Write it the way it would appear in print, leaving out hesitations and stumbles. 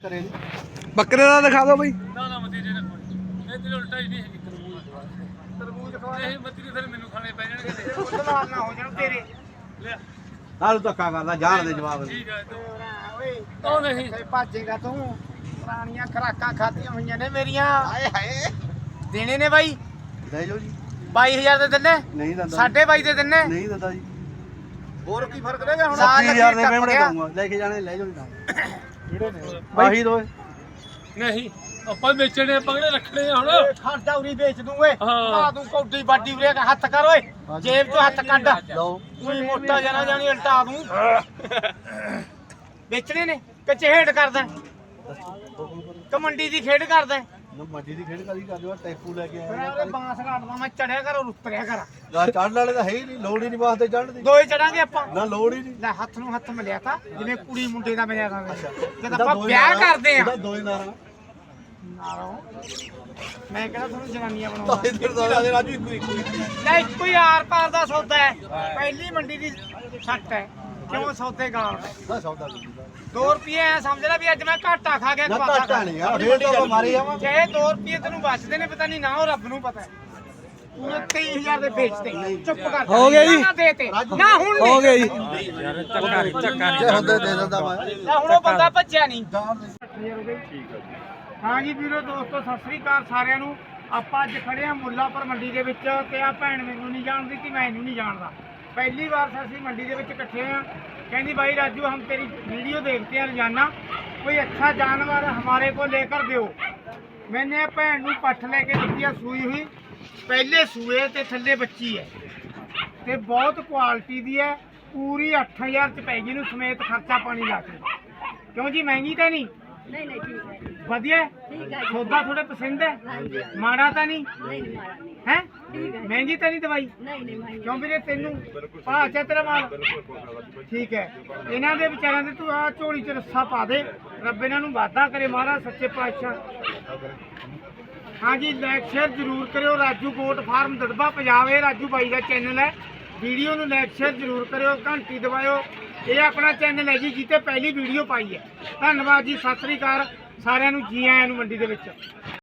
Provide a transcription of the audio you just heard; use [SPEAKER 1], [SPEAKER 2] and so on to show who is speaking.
[SPEAKER 1] ਬੱਕਰੇ ਦਾ ਦਿਖਾ ਦਿਓ ਬਈ।
[SPEAKER 2] ਨਾ ਨਾ ਮਤੀ ਜੇ ਰੱਖੋ ਇਹ ਤੇ ਉਲਟਾ ਹੀ ਨਹੀਂ ਹੈਗੀ ਤਰਬੂਜ ਖਵਾ ਇਹ ਮਤੀ ਫਿਰ ਮੈਨੂੰ ਖਾਣੇ ਪੈ ਜਾਣਗੇ
[SPEAKER 3] ਉਧਰ ਨਾ ਹੋ ਜਾਣ ਤੇਰੇ
[SPEAKER 2] ਲੈ
[SPEAKER 1] ਨਾਲ ਧੱਕਾ ਕਰਦਾ ਜਾਣ ਦੇ ਜਵਾਬ
[SPEAKER 2] ਠੀਕ ਹੈ
[SPEAKER 3] ਓਏ
[SPEAKER 2] ਉਹ ਨਹੀਂ
[SPEAKER 3] ਤੇ ਭਾਜੇਗਾ ਤੂੰ ਪੁਰਾਣੀਆਂ ਖਰਾਕਾਂ ਖਾਧੀਆਂ ਹੋਈਆਂ ਨੇ ਮੇਰੀਆਂ ਹਾਏ ਹਾਏ ਦੇਣੇ ਨੇ ਬਾਈ
[SPEAKER 1] ਲੈ ਜਾਓ ਜੀ
[SPEAKER 3] 22000 ਦੇ ਦਿੰਨੇ
[SPEAKER 1] ਨਹੀਂ ਦਿੰਦਾ
[SPEAKER 3] 22.5 ਦੇ ਦਿੰਨੇ
[SPEAKER 1] ਨਹੀਂ ਦਿੰਦਾ ਜੀ
[SPEAKER 3] ਹੋਰ ਕੀ ਫਰਕ ਰਹੇਗਾ ਹੁਣ
[SPEAKER 1] 20000 ਦੇ ਮੇਮਣੇ ਦਊਂਗਾ ਲੈ ਕੇ ਜਾਣੇ ਲੈ ਜਾਓ ਜੀ
[SPEAKER 3] ਕਿਹੜੇ ਨੇ
[SPEAKER 1] ਆਹੀ ਦੋ
[SPEAKER 2] ਨਹੀਂ ਆਪਾਂ ਵੇਚਣੇ ਪਗੜੇ ਰੱਖਣੇ ਆ ਹੁਣ
[SPEAKER 3] ਖਰਚਾ ਉਰੀ ਵੇਚ ਦੂੰ ਓਏ
[SPEAKER 2] ਹਾਂ।
[SPEAKER 3] ਆ ਤੂੰ ਕੌਡੀ ਬਾਡੀ ਉਰੇ ਹੱਥ ਕਰ ਓਏ ਜੇਬ ਚੋਂ ਹੱਥ ਕੱਢ
[SPEAKER 1] ਲਓ
[SPEAKER 3] ਕੋਈ ਮੋਟਾ ਜਣਾ ਜਾਣੀ ਉਲਟਾ ਦੂੰ ਵੇਚਣੇ ਨੇ ਕਿ ਚਹੇੜ ਕਰਦਾ ਕਮੰਡੀ ਦੀ ਖੇਡ ਕਰਦਾ
[SPEAKER 1] ਨਾ ਮੱਜੀ ਦੀ ਖੇਡ ਕਾਦੀ ਕਰਦੇ ਹੋ ਟੈਪੂ ਲੈ ਕੇ
[SPEAKER 3] ਫਿਰ
[SPEAKER 1] ਆਇਆ
[SPEAKER 3] ਉਹਦੇ ਬਾਂਸ ਘਾਟਦਾ ਮੈਂ ਚੜਿਆ ਕਰ ਉਤਰਿਆ ਕਰ
[SPEAKER 1] ਨਾ ਚੜਨ ਵਾਲੇ ਤਾਂ ਹੈ ਹੀ ਨਹੀਂ ਲੋੜ ਹੀ ਨਹੀਂ ਵਾਸਤੇ ਚੜਨ ਦੀ
[SPEAKER 3] ਦੋਏ ਚੜਾਂਗੇ ਆਪਾਂ
[SPEAKER 1] ਨਾ ਲੋੜ ਹੀ ਨਹੀਂ
[SPEAKER 3] ਲੈ ਹੱਥ ਨੂੰ ਹੱਥ ਮਿਲਿਆ ਤਾਂ ਜਿਵੇਂ ਕੁੜੀ ਮੁੰਡੇ ਦਾ ਮਿਲਿਆ ਤਾਂ ਜਦ
[SPEAKER 1] ਇਹਦਾ
[SPEAKER 3] ਆਪਾਂ
[SPEAKER 1] ਦੋ
[SPEAKER 3] ਵਿਆਹ
[SPEAKER 1] ਨਾਰਾਂ-
[SPEAKER 3] ਕਰਦੇ ਆ
[SPEAKER 1] ਇਹਦਾ ਦੋ ਹੀ ਨਾਰਾ
[SPEAKER 3] ਮੈਂ ਕਹਿੰਦਾ ਤੁਹਾਨੂੰ ਜਨਾਨੀਆਂ ਬਣਾਉਣਾ
[SPEAKER 1] ਇਧਰ ਦਾ ਰਾਜੂ ਇੱਕੋ
[SPEAKER 3] ਲੈ ਇੱਕੋ ਹੀ ਆਰ ਪਾਰ ਦਾ ਸੌਦਾ ਹੈ ਪਹਿਲੀ ਮੰਡੀ ਦੀ ਸੱਟ ਹੈ ਕਿਉਂ ਸੌਦੇ ਗਾਲ
[SPEAKER 1] ਨਾ ਸੌਦਾ ਨਹੀਂ
[SPEAKER 3] 2 ਰੁਪਏ ਐ ਸਮਝ ਲੈ ਵੀ ਅੱਜ ਮੈਂ ਘਾਟਾ ਖਾ ਗਿਆ
[SPEAKER 1] ਨਾ
[SPEAKER 3] ਘਾਟਾ
[SPEAKER 1] ਘਾਟਾ ਨਹੀਂ ਆ ਫੇਰ ਤਾਂ ਮਾਰੇ ਆਵਾਂ
[SPEAKER 3] ਚਾਹੇ 2 ਰੁਪਏ ਤੈਨੂੰ ਬਚਦੇ ਨੇ ਪਤਾ ਨਹੀਂ ਨਾ ਉਹ ਰੱਬ ਨੂੰ ਪਤਾ ਹੈ ਪੂਰੇ 23000 ਦੇ ਵੇਚਦੇ ਚੁੱਪ ਕਰ
[SPEAKER 1] ਹੋ ਗਿਆ ਜੀ।
[SPEAKER 3] ਨਾ ਦੇ ਤੇ ਨਾ ਹੁਣ ਨਹੀਂ
[SPEAKER 1] ਹੋ ਗਿਆ ਜੀ
[SPEAKER 2] ਚੱਕਾ
[SPEAKER 1] ਜੇ ਹੁੰਦੇ ਦੇ ਦਿੰਦਾ ਮੈਂ
[SPEAKER 3] ਲੈ ਹੁਣ ਉਹ ਬੰਦਾ ਭੱਜਿਆ ਨਹੀਂ ਹਾਂ ਜੀ ਵੀਰੋ ਦੋਸਤੋ ਸਤਿ ਸ੍ਰੀ ਅਕਾਲ ਸਾਰਿਆਂ ਨੂੰ ਆਪਾਂ ਅੱਜ ਖੜੇ ਆ ਮੁੱਲਾਪੁਰ ਮੰਡੀ ਦੇ ਵਿੱਚ ਤੇ ਆ ਭੈਣ ਮੈਨੂੰ ਨਹੀਂ ਜਾਣਦੀ ਕਿ ਮੈਂ ਇਹਨੂੰ ਨਹੀਂ ਜਾਣਦਾ ਪਹਿਲੀ ਵਾਰ ਅਸੀਂ ਮੰਡੀ ਦੇ ਵਿੱਚ ਇਕੱਠੇ ਆ ਕਹਿੰਦੀ भाई राजू हम तेरी वीडियो देखते हैं रोजाना कोई अच्छा जानवर हमारे को लेकर दो मैंने भैन ਨੂੰ ਪੱਠ ਲੈ ਕੇ ਦਿੱਤੀ ਆ ਸੂਈ ਹੋਈ ਪਹਿਲੇ ਸੂਏ ਤੇ ਥੱਲੇ ਬੱਚੀ ਹੈ ਤੇ ਬਹੁਤ ਕੁਆਲਿਟੀ ਦੀ ਹੈ ਪੂਰੀ 8000 ਚ ਪੈਗੀ ਨੂੰ ਸਮੇਤ ਖਰਚਾ ਪਾਣੀ ਲਾ ਕੇ ਕਿਉਂ ਜੀ ਮਹਿੰਗੀ ਤਾਂ ਨਹੀਂ
[SPEAKER 4] नहीं नहीं ठीक है
[SPEAKER 3] ਵਧੀਆ
[SPEAKER 4] ठीक है
[SPEAKER 3] ਸੌਦਾ ਥੋੜੇ ਪਸੰਦ ਹੈ
[SPEAKER 4] हाँ जी
[SPEAKER 3] ਮਾੜਾ ਤਾਂ ਨਹੀਂ
[SPEAKER 4] नहीं नहीं मारा नहीं
[SPEAKER 3] ਹੈ
[SPEAKER 4] ठीक है
[SPEAKER 3] ਮਹਿੰਗੀ ਤਾਂ ਨਹੀਂ ਦਵਾਈ
[SPEAKER 4] नहीं नहीं महंगी
[SPEAKER 3] ਕਿਉਂ ਵੀਰੇ ਤੈਨੂੰ ਭਾਅ ਚਾ ਤੇਰਾ ਮਾਲ ਠੀਕ ਹੈ ਇਹਨਾਂ ਦੇ ਵਿਚਾਰਿਆਂ ਦੇ ਤੂੰ ਆ ਝੋਲੀ 'ਚ ਰੱਸਾ ਪਾ ਦੇ ਰੱਬ ਇਹਨਾਂ ਨੂੰ ਵਾਅਦਾ ਕਰੇ ਮਹਾਰਾਜ ਸੱਚੇ ਪਾਤਸ਼ਾਹ ਹਾਂਜੀ ਲਾਈਕ ਸ਼ੇਅਰ ਜ਼ਰੂਰ ਕਰਿਓ ਰਾਜੂ ਗੋਟ ਫਾਰਮ ਦੜਬਾ ਪੰਜਾਬ ਇਹ ਰਾਜੂ ਬਾਈ ਦਾ ਚੈਨਲ ਹੈ ਵੀਡੀਓ ਨੂੰ ਲਾਈਕ ਸ਼ੇਅਰ ਜ਼ਰੂਰ ਕਰਿਓ ਘੰਟੀ ਦਬਾਇਓ ਇਹ ਆਪਣਾ ਚੈਨਲ ਹੈ ਜੀ ਜਿੱਤੇ ਪਹਿਲੀ ਵੀਡੀਓ ਪਾਈ ਹੈ ਧੰਨਵਾਦ ਜੀ ਸਤਿ ਸ੍ਰੀ ਅਕਾਲ ਸਾਰਿਆਂ ਨੂੰ ਜੀ ਆਇਆਂ ਨੂੰ ਮੰਡੀ ਦੇ ਵਿੱਚ